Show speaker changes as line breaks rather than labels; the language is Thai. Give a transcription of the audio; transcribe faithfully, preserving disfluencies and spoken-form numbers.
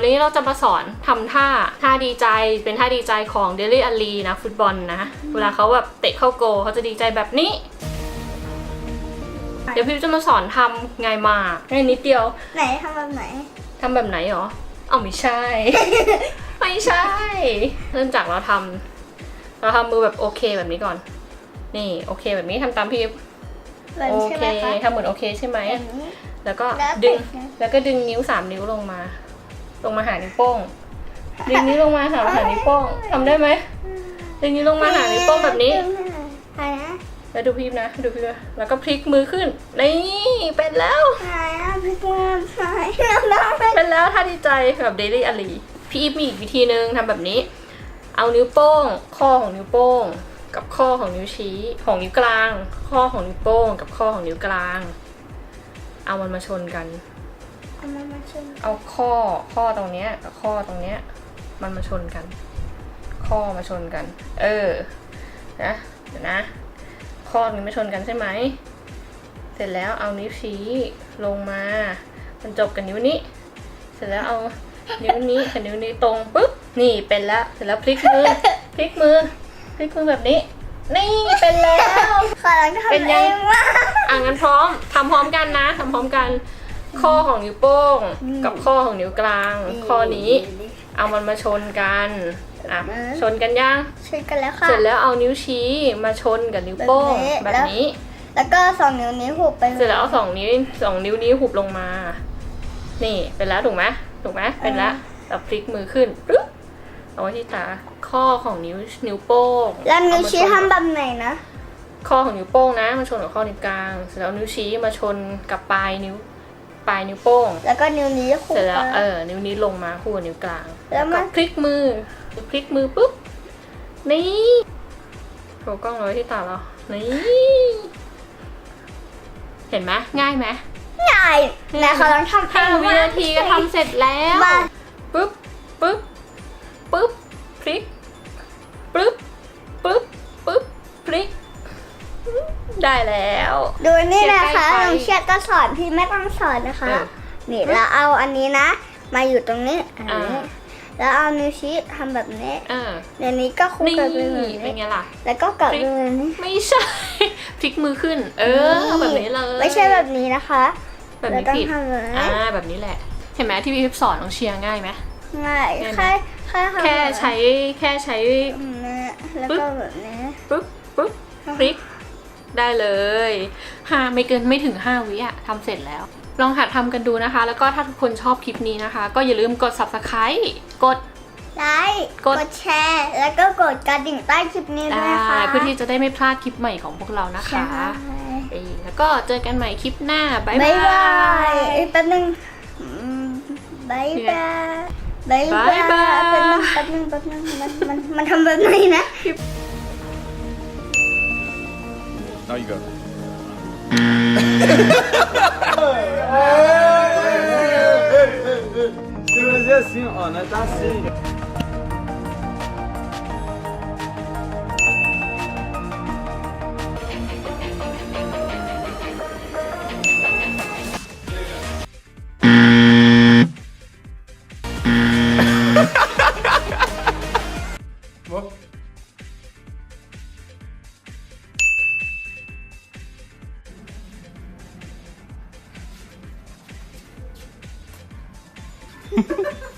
วันนี้เราจะมาสอนทำท่าท่าดีใจเป็นท่าดีใจของเดลี่อาลีนะฟุตบอลนะเวลาเขาแบบเตะเข้าโกเขาจะดีใจแบบนี้เดี๋ยวพี่จะมาสอนทำง่ายมากง่ายนิดเดียว
ไหนทำแบบไหน
ทำแบบไหนหรอเอาไม่ใช่ ไม่ใช่เริ่มจากเราทำเราทำมือแบบโอเคแบบนี้ก่อนนี่โอเคแบบนี้ทำตามพี่โอเคทำเหมือนโอเคใช่ไหมแล้วก็ดึงแล้วก็ดึงนิ้วสามนิ้วลงมาลงมาหานิ้วโป้งดึงนิ้วลงมาหาหานิ้วโป้งทำได้ไหมดึงนิ้วลงมาหานิ้วโป้งแบบนี้แล้วดูพี่นะดูพี่นะแล้วก็พลิกมือขึ้นนี่เป็นแล้วเป็นแล้วท่าดีใจแบบเดลี่อาลีพี่อีฟมีอีกวิธีนึงทำแบบนี้เอานิ้วโป้งข้อของนิ้วโป้งกับข้อของนิ้วชี้ของนิ้วกลางข้อของนิ้วโป้งกับข้อของนิ้วกลางเอามันมาชนกัน
เอามันมาชน
เอาข้อข้อตรงเนี้ยกับข้อตรงเนี้ยมันมาชนกันข้อมาชนกันเออนะเดี๋ยวนะข้อนี้มาชนกันใช่ไหมเสร็จแล้วเอานิ้วชี้ลงมามันจบกับนิ้วนี้เสร็จแล้วเอานิ้วนี้กับนิ้วนี้ตรงปุ๊บนี่เป็นแล้วเสร็จแล้วพลิกมือพลิกมือพลิกมือแบบนี้นี่เป็นแล้ว
เป็นยังว่า
อ่ะงั้นพร้อมทำพร้อมกันนะทำพร้อมกันข้อของนิ้วโป้งกับข้อของนิ้วกลางข้อนี้เอามันมาชนกันอ่ะชนกันยัง
ชนกันแล้วค่ะ
เสร็จแล้วเอานิ้วชี้มาชนกับนิ้วโป้งแบบนี้
แล้วก็สองนิ้วนี้หุบไป
เสร็จแล้วเอาสองนิ้วสองนิ้วนี้หุบลงมานี่เป็นแล้วถูกไหมถูกไหมเป็นแล้วเราพลิกมือขึ้นปึ๊บเอาไว้ที่ตาข้อของนิ้วนิ้วโป้ง
แล้วนิ้วชี้ทำแบบไหนนะ
ข้อของนิ้วโป้งนะมาชนกับข้อนิ้วกลางเสร็จแล้วนิ้วชี้มาชนกับปลายนิ้วปลายนิ้วโป้ง
แล้วก็นิ้วนี้
เสร็จแล้วเออนิ้วนี้ลงมาคู่กับนิ้วกลางแล้วก็พลิกมือพลิกมือปุ๊บนี่โชว์กล้องไว้ที่ตาเรานี่เห็นไหมง่ายไหม
ง่ายนะเขาลองทำ
ห้าวินาทีก็ทำเสร็จแล้วปุ๊บปุ๊บปุ๊บพลิกปุ๊บปุ๊บปุ๊บพลิกได้แล้ว
ดูนี่นะคะน้องเชียร์ก็สอนพี่ไม่ต้องสอนนะคะนี่เราเอาอันนี้นะมาอยู่ตรงนี้อันนี้แล้วเอานิ้วชี้ทำแบบนี้เดี๋ยวนี้ก็คุกกับมือ
เป็นไงล่ะ
แล้วก็กับมือนี้
ไม่ใช่พลิกมือขึ้นเออแบบนี้เลย
ไม่ใช่แบบนี้นะคะ
แบบนี้ผิดอ่าแบบนี้แหละเห็นไหมที่พี่พิพสอนน้องเชียร์ง่ายไหม
ง่ายแค่แค่
แค่ใช้แค่ใช้
แล้วก็แบบนี้
ปุ๊บปุ๊บพลิกได้เลยห้าไม่เกินไม่ถึงห้าวิอะทำเสร็จแล้วลองหัดทำกันดูนะคะแล้วก็ถ้าทุกคนชอบคลิปนี้นะคะก็อย่าลืมกด ซับสไครบ์ กด
ไลค์กดแชร์แล้วก็กดกระดิ่งใต้คลิปนี้ด้วยนะคะ
เพื่อที่จะได้ไม่พลาดคลิปใหม่ของพวกเรานะคะแล้วก็เจอกันใหม่คลิปหน้าบ๊ายบาย
แป๊บนึงบ๊ายบายบ๊ายบายแป๊บนึงแป๊บนึงแป๊บนึงมันมันมันทำแบบไหนนะ
Now you go. Tem que fazer assim, ó, nós tá assim. Ha ha ha.